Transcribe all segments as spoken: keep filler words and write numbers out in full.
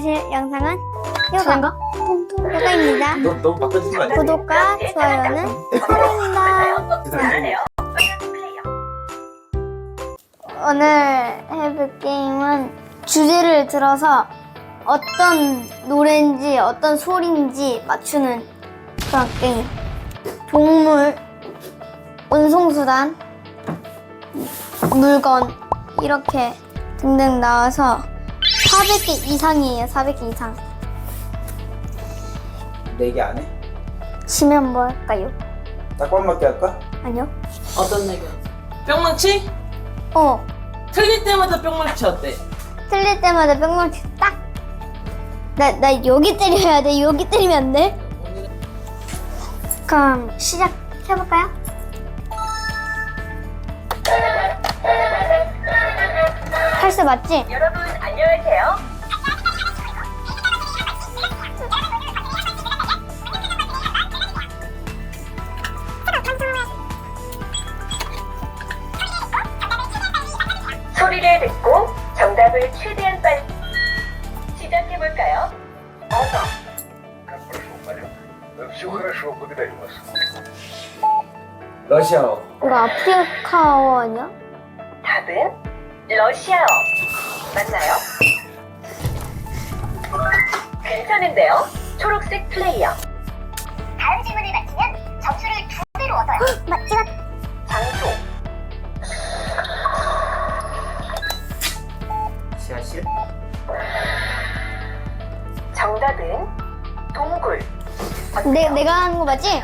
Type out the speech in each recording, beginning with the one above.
보실 영상은 저인가? 요가입니다. 너 너무 바꿔주는 거 아니야? 구독과 좋아요는 부탁드립니다. 세상에. 오늘 해볼 게임은 주제를 들어서 어떤 노래인지 어떤 소리인지 맞추는 그런 게임. 동물, 운송수단, 물건 이렇게 등등 나와서 사백 개 이상이에요. 사백 개 이상. 네 개 안 해? 치면 뭐 할까요? 딱밤 맞게 할까? 아니요. 어떤 얘기야? 뿅망치? 어. 틀릴 때마다 뿅망치 어때? 틀릴 때마다 뿅망치 딱. 나, 나 여기 때려야 돼. 여기 때리면 안 돼. 그럼 시작해볼까요? 할수 맞지? 여러분 안녕하세요. 소리를 듣고 정답을 최대한 빨리 시작해 볼까요? 어서. Все хорошо, благодарю вас. 러시아어. 이거 아프리카어 아니야? 답은 러시아어. 맞나요? 괜찮은데요? 초록색 플레이어. 다음 질문을 맞히면 점수를 두 배로 얻어요. 맞지가. 장소. 지하실? 정답은 동굴. 내, 내가 하는 거 맞지?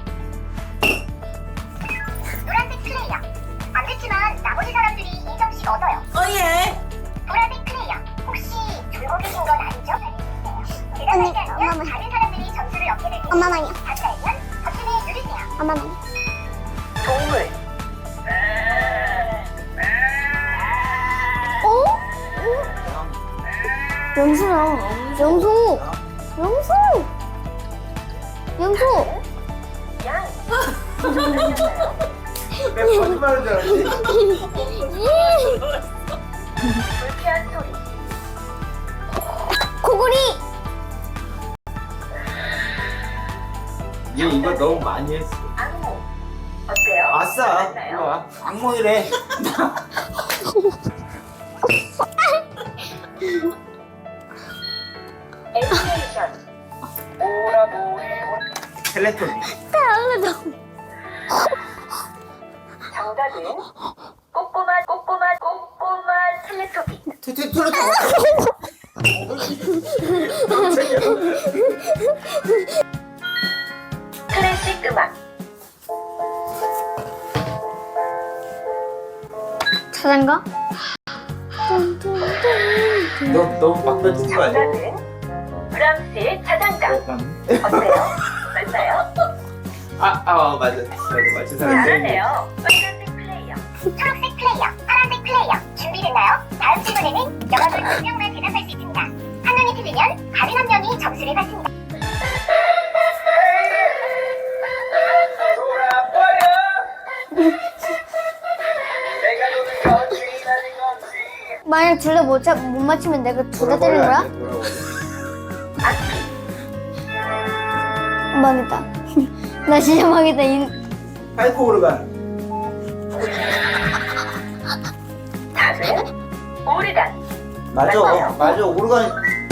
노란색 플레이어. 안 됐지만 나머지 사람들이 이 점씩 얻어요. 어예! 보라색 플레이어. 혹시 졸고 계신 건 아니죠? 대답하지 않으면 다른 사람들이 점수를 얻게 됩니다. 엄마만요. 답을 알면 버튼을 누르세요. 엄마만요. 동물. 어? 영수야. 영수. 영수. 영수. 양. 내가 거짓말인 줄 알았지? 불쾌한 소리. 코골이. 얘 이거 너무 많이 했어. 악몽. 어때요? 아싸. 맞나요? 이거 와. 악몽이래. 애니메이션. 텔레토비. 정답은 꼬꼬마 꼬꼬마 꼬꼬마 텔레토비. 텔레토비. 클래식 음악. 자전거. 너 너무 바꿔주는 거 아니야? 정답은 브람스의 자장가. 약간. 어때요? 맞나요? 아, 아, 어, 맞아. 맞아, 맞아. 사람 잘하네요. 빨간색 플레이어. 초록색 플레이어. 파란색 플레이어. 준비됐나요? 다음 질문에는 여러분 두 명만 대답할 수 있습니다. 한 명이 틀리면 다른 한 명이 점수를 받습니다. 만약 둘 다 못 못 맞추면 내가 둘 다 때리는 거야? 망했다. 나 진짜 망했다. 이... 파이프 오르간. 답은 오르간. 맞아. 맞아요. 맞아. 오르간.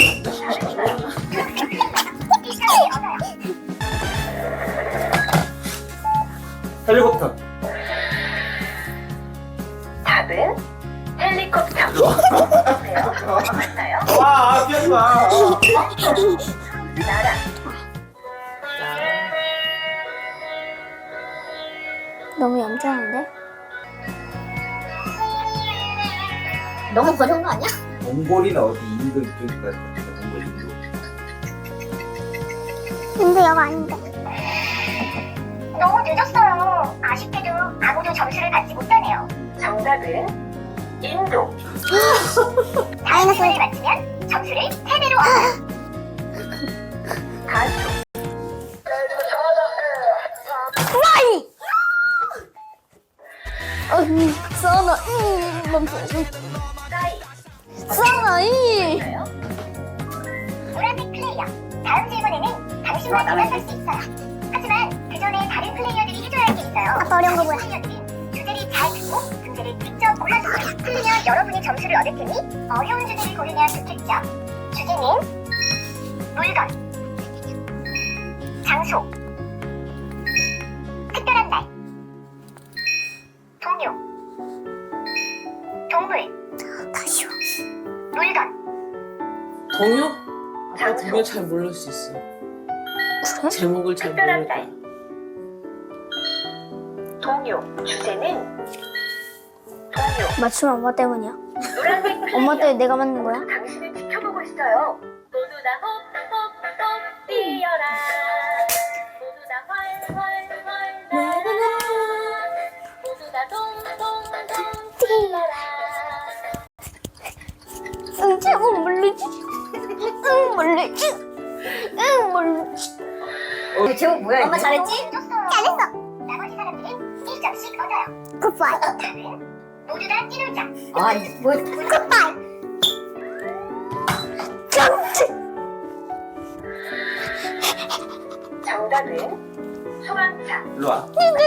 헬리콥터. 답은 헬리콥터. 어때요? 맞나요? 와, 아, 피하지 마. 나라. 너무 얌전한데? 너무 버려운 거 아니야? 몽골이나 어디 인도 이쪽일 것 같아. 몽골 인도. 근데 여가 아닌데. 너무 늦었어요. 아쉽게도 아무도 점수를 받지 못하네요. 정답은 인도. 다음 질문을 맞히면 점수를 세 배로 얻어요. 가수. 와이! 어, 써나, 이, 멈춰. 싸이. 써나, 이. 맞나요? 노란색 플레이어. 다음 질문에는 당신만 대답할 수 있어요. 하지만 그 전에 다른 플레이어들이 해줘야 할 게 있어요. 아빠 어려운 거 뭐야? 플레이어들은 주제를 잘 듣고 문제를 직접 골라주세요. 틀리면 여러분이 점수를 얻을 테니 어려운 주제를 고르면 좋겠죠. 주제는 물건, 장소, 특별한 날, 동요, 동물, 다시요. 물건, 동요? 아빠 동요 잘 모를 수 있어. 그래? 제목을 잘 특별한 모를 거야. 날. 동요. 주제는 동요. 맞추면 엄마 때문이야. 노란색 플레이어. 엄마 때문에 내가 만든 거야? 당신을 지켜보고 있어요. 모두 다 홉홉홉 뛰어라. 모두 다 활활활 날아라. 모두 다 동동동 뛰어라. 응, 제목 모르지? 응, 모르지? 응, 모르지? 제목 뭐야? 엄마 잘했지? 잘했어. 나머지 사람들은 일 점씩 얻어요. 굿바이. 답은 모두 다 뛰놀자. 아, 뭐 굿바이. 정치. 정답은 소방차. 일로 와.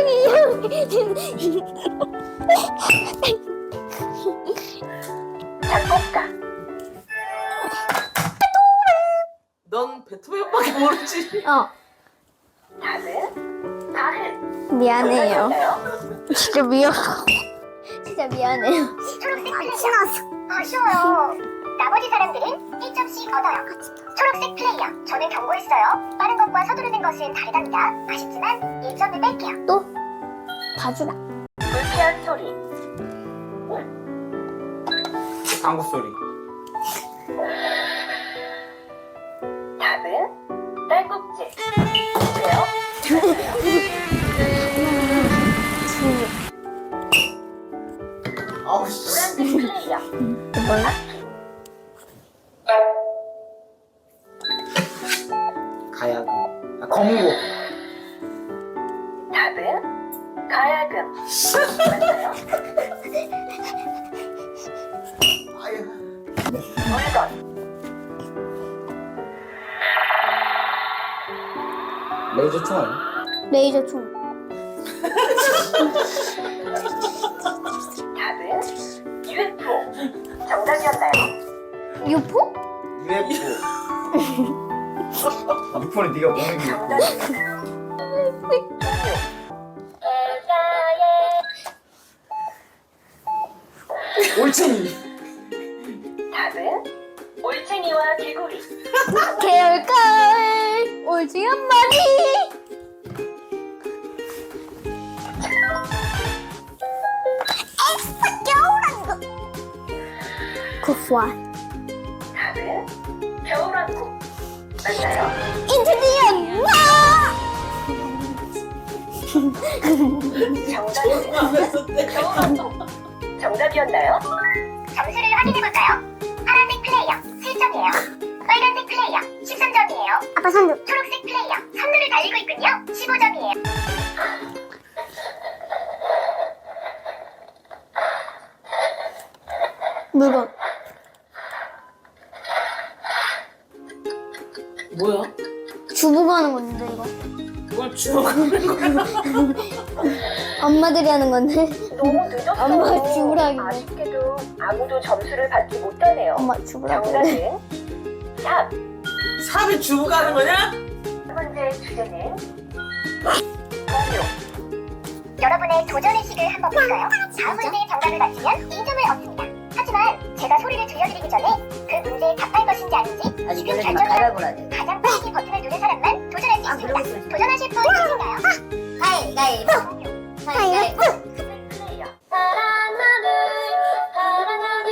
작곡가. 넌 베토벤밖에 모르지. 어, 답은 가은. 미안해요. 정답이었나요? 진짜 미안. 진짜 미안해요. 초록색 플레이어. 아쉬워요. 나머지 사람들은 일 점씩 얻어요. 초록색 플레이어. 저는 경고했어요. 빠른 것과 서두르는 것은 다르답니다. 아쉽지만 일 점을 뺄게요. 또 봐주라. 불쾌한 소리. 방구 소리. 답은 딸꾹질. 왜요? 아우 씨. 노란색 플레이어. 몰라? 가야금. 아, 검고. 답은 가야금. 맞나요? 아유. 물건. 레이저 총알. 레이저 총. 답은 유에프오. 정답이었나요? 유포? 유에프오. 유포는 네가 먹는 게 유포. 올챙이. 답은 올챙이와 개구리. 개울가을 오지 한 마리. 에스파 겨울한 거. 굿바이. 답은 겨울왕국. 맞나요? 인트리언 와. 정답은 하면서 때. 겨울왕국. 정답이었나요? 점수를 확인해볼까요? 파란색 플레이어 칠 점이에요. 빨간색 플레이어 십삼 점이에요. 아빠 선두. 초록색 플레이어 선두를 달리고 있군요. 십오 점이에요. 물건. 뭐야? 주부가 하는 건데 이거. 그걸 주워가는 거야? 엄마들이 하는 건데. 너무 늦었어요. 엄마가 죽으라길래. 아쉽게도 아무도 점수를 받지 못하네요. 엄마 주부라고. 정답은 삽. 삽이 주고 가는 거냐? 첫 번째 주제는 동요. 여러분의 도전 의식을 한번 볼까요? 다음 문제의 정답을 맞히면 일 점을 얻습니다. 하지만 제가 소리를 들려드리기 전에 그 문제에 답할 것인지 아닌지 지금 결정을 가장 빠르게 버튼을 누른 사람만 도전할 수 있습니다. 도전하실 분 계신가요? 가위가위보. 가위가위보. 플레이어. 파란 하늘, 파란 하늘.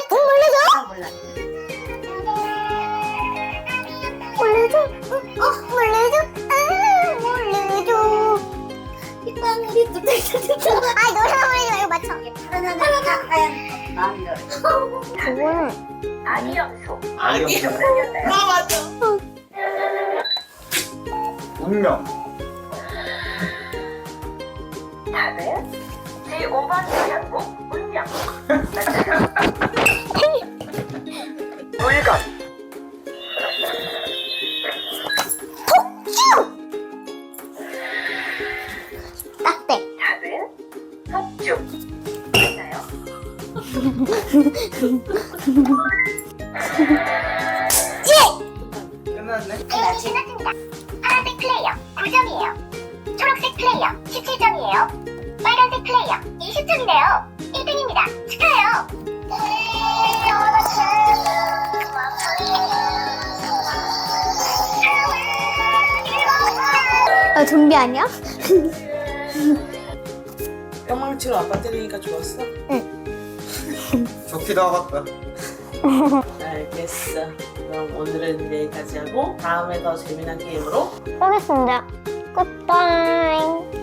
몰래줘. 어, 몰래줘. 아, 몰래줘. 빗방울이 뚝뚝뚝뚝. 아, 노래 부르지 말고 맞춰. 파란 하늘, 하얀 마음대로. 그거는 아니염소. 아니. 정답이었나요? 아 맞아. 운명. 답은 제오 번 장국 운명. 맞나요? 물건. 끝났네. 게임이 끝났습니다. 파란색 플레이어 구 점이에요. 초록색 플레이어 십칠 점이에요. 빨간색 플레이어 이십 점이네요. 일 등입니다. 축하해요. 아, 좀비 아니야? 뿅망치로 아빠 때리니까 좋았어? 좋기도 하겠다. 알겠어. 그럼 오늘은 여기까지 하고 다음에 더 재미난 게임으로 쏘겠습니다. 굿바이.